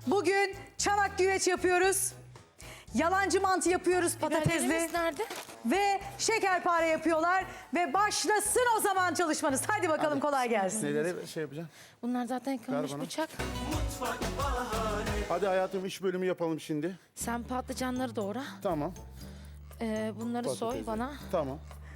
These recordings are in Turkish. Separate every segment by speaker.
Speaker 1: Bugün çanak güveç yapıyoruz. Yalancı mantı yapıyoruz patatesli.
Speaker 2: Biberlerimiz nerede?
Speaker 1: Ve şekerpare yapıyorlar. Ve başlasın o zaman çalışmanız. Hadi bakalım kolay gelsin.
Speaker 3: Neleri şey yapacaksın?
Speaker 2: Bunlar zaten yıkanmış
Speaker 3: Ver bana.
Speaker 2: bıçak.
Speaker 3: Hadi hayatım iş bölümü yapalım şimdi.
Speaker 2: Sen patlıcanları doğra.
Speaker 3: Tamam.
Speaker 2: Bunları soy
Speaker 3: Patatesi.
Speaker 2: bana.
Speaker 3: Tamam.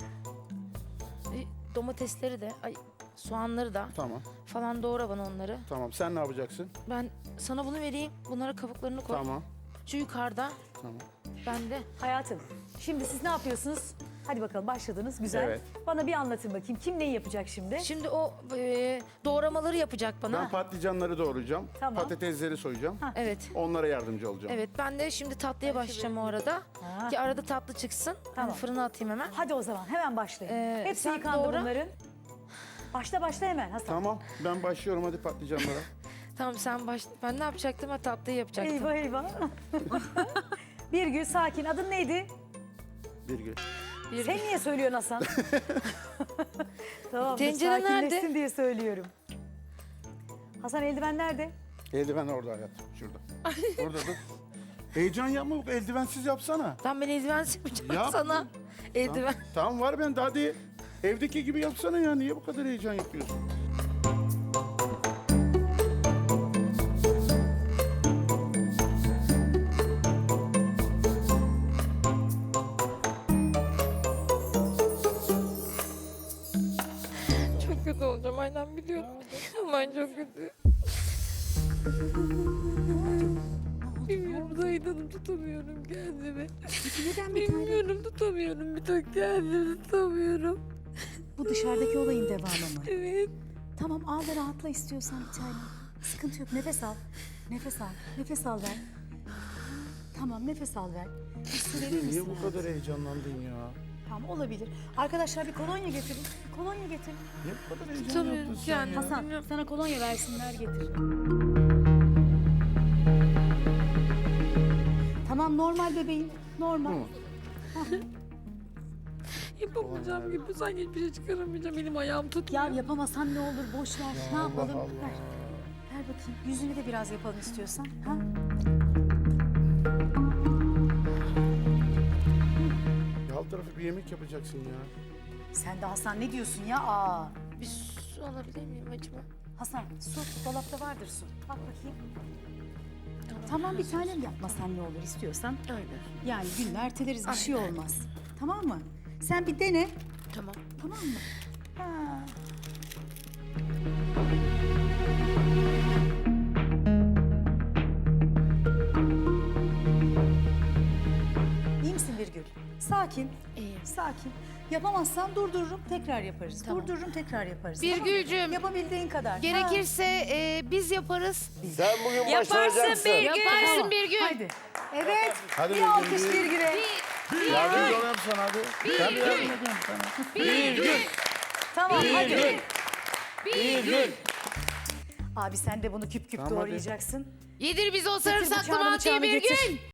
Speaker 2: Domatesleri de, soğanları da
Speaker 3: Tamam.
Speaker 2: falan doğra bana onları.
Speaker 3: Tamam. Sen ne yapacaksın?
Speaker 2: Ben sana bunu vereyim. Bunlara kabuklarını koy.
Speaker 3: Tamam.
Speaker 2: Şu yukarıda.
Speaker 3: Tamam.
Speaker 2: Ben de.
Speaker 1: Hayatım, şimdi siz ne yapıyorsunuz? Hadi bakalım başladınız. Güzel.
Speaker 3: Evet.
Speaker 1: Bana bir anlatın bakayım. Kim neyi yapacak şimdi?
Speaker 2: Şimdi o doğramaları yapacak bana.
Speaker 3: Ben patlıcanları doğrayacağım.
Speaker 1: Tamam.
Speaker 3: Patatesleri soyacağım.
Speaker 2: Evet.
Speaker 3: Onlara yardımcı olacağım.
Speaker 2: Evet, ben de şimdi tatlıya başlayacağım o arada.
Speaker 1: Ha.
Speaker 2: Ki arada tatlı çıksın.
Speaker 1: Tamam.
Speaker 2: Hani fırına atayım hemen.
Speaker 1: Hadi o zaman hemen başlayın. Hepsi
Speaker 2: sen
Speaker 1: yıkandı
Speaker 2: doğra.
Speaker 1: bunların. Başla hemen Hasan.
Speaker 3: Tamam. Ben başlıyorum hadi patlıcanlara.
Speaker 2: Tamam sen başla. Ben ne yapacaktım? Ben tatlıyı yapacaktım.
Speaker 1: Eyvah. Bir gün sakin. Adın neydi?
Speaker 3: Bir gün.
Speaker 1: Sen niye söylüyorsun Hasan? Tamam,
Speaker 2: Tencere
Speaker 1: sakinleşsin
Speaker 2: nerede?
Speaker 1: diye söylüyorum. Hasan eldiven nerede?
Speaker 3: Eldiven orada hayatım. Şurada. Orada dur. Heyecan yapma. Eldivensiz yapsana.
Speaker 2: Tamam ben eldivensiz yapacağım
Speaker 3: Yap.
Speaker 2: sana. Eldiven.
Speaker 3: Tamam var bende hadi. Evdeki gibi yapsana ya. Niye bu kadar heyecan yapıyorsun?
Speaker 2: Çok kötü olacağım aynen biliyorum. Aman çok kötü. Bilmiyorum Zahid tutamıyorum kendimi.
Speaker 4: Neden bir tane?
Speaker 2: Bilmiyorum tutamıyorum bir tek kendimi tutamıyorum.
Speaker 4: Bu dışarıdaki olayın devamı mı?
Speaker 2: Evet.
Speaker 4: Tamam al ve rahatla istiyorsan bir tane. Sıkıntı yok. Nefes al. Nefes al. Nefes al ver. Tamam nefes al ver. Bir su verir misin?
Speaker 3: Niye bu
Speaker 4: hayatım?
Speaker 3: kadar heyecanlandın ya?
Speaker 1: Tamam olabilir. Arkadaşlar bir kolonya getirin. Bir kolonya getirin.
Speaker 3: Niye bu kadar heyecan
Speaker 2: Tutamıyorum
Speaker 3: yaptın sen ya?
Speaker 2: kendimi.
Speaker 1: Hasan sana kolonya versinler getir.
Speaker 4: Tamam normal bebeğim. Normal.
Speaker 3: Hı.
Speaker 2: Yapamayacağım gibi sanki hiçbir şey çıkaramayacağım. Elim ayağım tutmuyor.
Speaker 4: Ya yapamasan ne olur boş ver. Ne yapalım?
Speaker 3: Allah.
Speaker 4: Ver. Ver bakayım. Yüzünü de biraz yapalım istiyorsan. Ha?
Speaker 3: Ya alt tarafı bir yemek yapacaksın ya.
Speaker 1: Sen de Hasan ne diyorsun ya? Aa.
Speaker 2: Bir su alabilir miyim acaba?
Speaker 1: Hasan su dolapta vardır su. Bak bakayım.
Speaker 4: Tamam bir tanem yapmasan ne olur istiyorsan.
Speaker 2: Öyle.
Speaker 4: Yani günler erteleriz bir şey olmaz. Tamam mı? Sen bir dene.
Speaker 2: Tamam.
Speaker 4: Tamam mı?
Speaker 1: Ha. İyi misin Birgül? Sakin.
Speaker 2: İyiyim.
Speaker 1: Sakin. Yapamazsan durdururum tekrar yaparız. Durdururum tekrar yaparız.
Speaker 2: Birgülcüğüm,
Speaker 1: Tamam mı? Yapabildiğin kadar.
Speaker 2: gerekirse biz yaparız.
Speaker 5: Sen bugün başaracaksın.
Speaker 2: Yaparsın bir gün.
Speaker 1: Hadi. Evet.
Speaker 3: Hadi
Speaker 1: bir
Speaker 3: Birgül,
Speaker 1: alkış
Speaker 3: bir-
Speaker 1: Birgül'e.
Speaker 3: Yardımcı olayım sana hadi. Ben de yardım edeyim sana.
Speaker 2: Bir gün.
Speaker 1: Tamam hadi.
Speaker 5: Bir gün.
Speaker 1: Abi sen de bunu küp küp
Speaker 3: Tamam, hadi.
Speaker 1: doğrayacaksın.
Speaker 2: Yedir bizi o
Speaker 1: Getir
Speaker 2: sarımsaklı
Speaker 1: bıçağını,
Speaker 2: mantıyı
Speaker 1: bıçağını
Speaker 2: bir
Speaker 1: getir.
Speaker 2: gün.